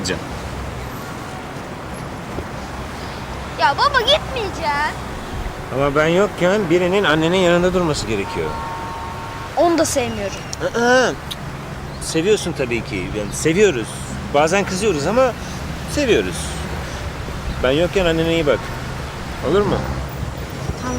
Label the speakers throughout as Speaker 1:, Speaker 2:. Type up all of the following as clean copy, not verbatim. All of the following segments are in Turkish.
Speaker 1: Hadi canım.
Speaker 2: Ya baba gitmeyeceğim.
Speaker 1: Ama ben yokken birinin annenin yanında durması gerekiyor.
Speaker 2: Onu da sevmiyorum.
Speaker 1: Aa, seviyorsun tabii ki. Yani seviyoruz. Bazen kızıyoruz ama seviyoruz. Ben yokken annene iyi bak. Olur mu?
Speaker 2: Tamam.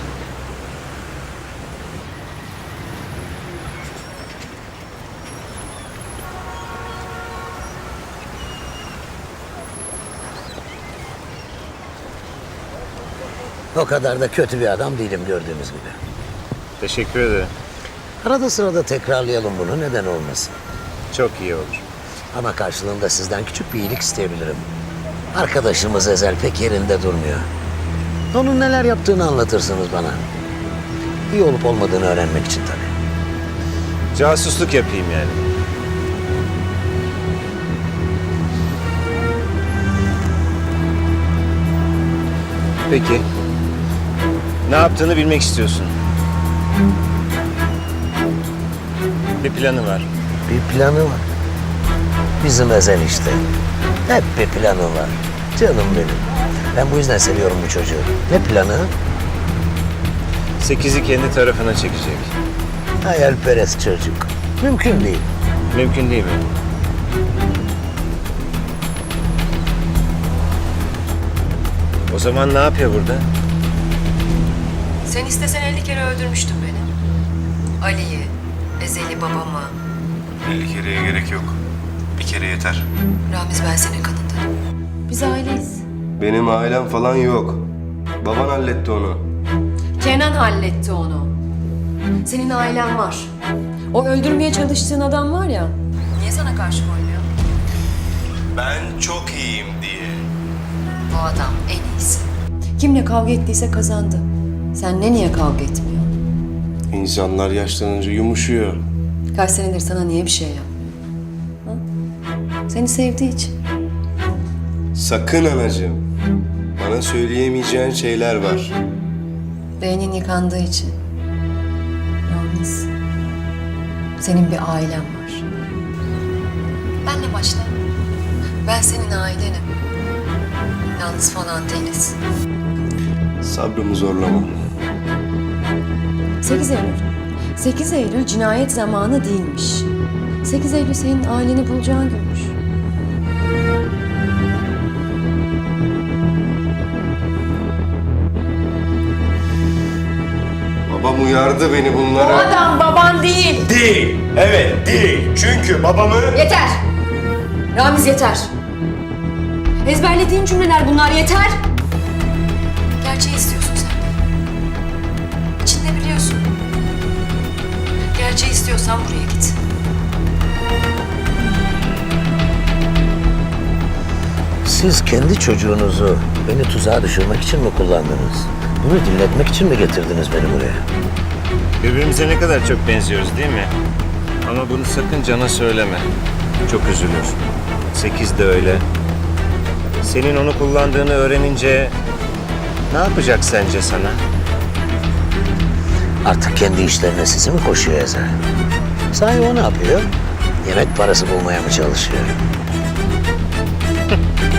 Speaker 3: O kadar da kötü bir adam değilim gördüğünüz gibi.
Speaker 1: Teşekkür ederim.
Speaker 3: Arada sırada tekrarlayalım bunu, neden olmasın.
Speaker 1: Çok iyi olur.
Speaker 3: Ama karşılığında sizden küçük bir iyilik isteyebilirim. Arkadaşımız Ezel pek yerinde durmuyor. Onun neler yaptığını anlatırsınız bana. İyi olup olmadığını öğrenmek için tabii.
Speaker 1: Casusluk yapayım yani. Peki. Ne yaptığını bilmek istiyorsun. Bir planı var.
Speaker 3: Bir planı var. Bizim Ezel işte. Hep bir planı var. Canım benim. Ben bu yüzden seviyorum bu çocuğu. Ne planı?
Speaker 1: 8'i kendi tarafına çekecek.
Speaker 3: Hayalperest çocuk. Mümkün değil.
Speaker 1: Mümkün değil mi? O zaman ne yapıyor burada?
Speaker 4: Sen istesen 50 kere öldürmüştün beni. Ali'yi, Ezel'i, babamı.
Speaker 5: 50 kereye gerek yok. Bir kere yeter.
Speaker 4: Ramiz, ben senin kanındanım. Biz aileyiz.
Speaker 5: Benim ailem falan yok. Baban halletti onu.
Speaker 4: Kenan halletti onu. Senin ailen var. O öldürmeye çalıştığın adam var ya. Niye sana karşı koymuyor?
Speaker 5: Ben çok iyiyim diye.
Speaker 4: Bu adam en iyisi. Kimle kavga ettiyse kazandı. Sen niye kavga etmiyor?
Speaker 5: İnsanlar yaşlanınca yumuşuyor.
Speaker 4: Kaç senedir sana niye bir şey yapmıyor? Ha? Seni sevdiği için.
Speaker 5: Sakın anacığım. Bana söyleyemeyeceğin şeyler var.
Speaker 4: Beynin yıkandığı için. Ramiz. Senin bir ailen var. Benle başla. Ben senin ailenim. Yalnız falan değiliz.
Speaker 5: Sabrımı zorlama.
Speaker 4: 8 Eylül. 8 Eylül cinayet zamanı değilmiş. 8 Eylül senin aileni bulacağın günmüş.
Speaker 5: Babam uyardı beni
Speaker 4: O
Speaker 5: bunlara.
Speaker 4: adam baban değil.
Speaker 5: Değil. Evet değil. Çünkü babamı...
Speaker 4: Yeter. Ramiz yeter. Ezberlediğin cümleler bunlar yeter. Gerçeği istiyorsun sen. İçinde biliyorsun. Gerçeği istiyorsan buraya git.
Speaker 3: Siz kendi çocuğunuzu beni tuzağa düşürmek için mi kullandınız? Bunu dinletmek için mi getirdiniz beni buraya?
Speaker 1: Birbirimize ne kadar çok benziyoruz değil mi? Ama bunu sakın Can'a söyleme. Çok üzülür. 8 de öyle. Senin onu kullandığını öğrenince ne yapacak sence sana?
Speaker 3: Artık kendi işlerine sizi mi koşuyor Ezel? Sahi o ne yapıyor? Yemek parası bulmaya mı çalışıyor?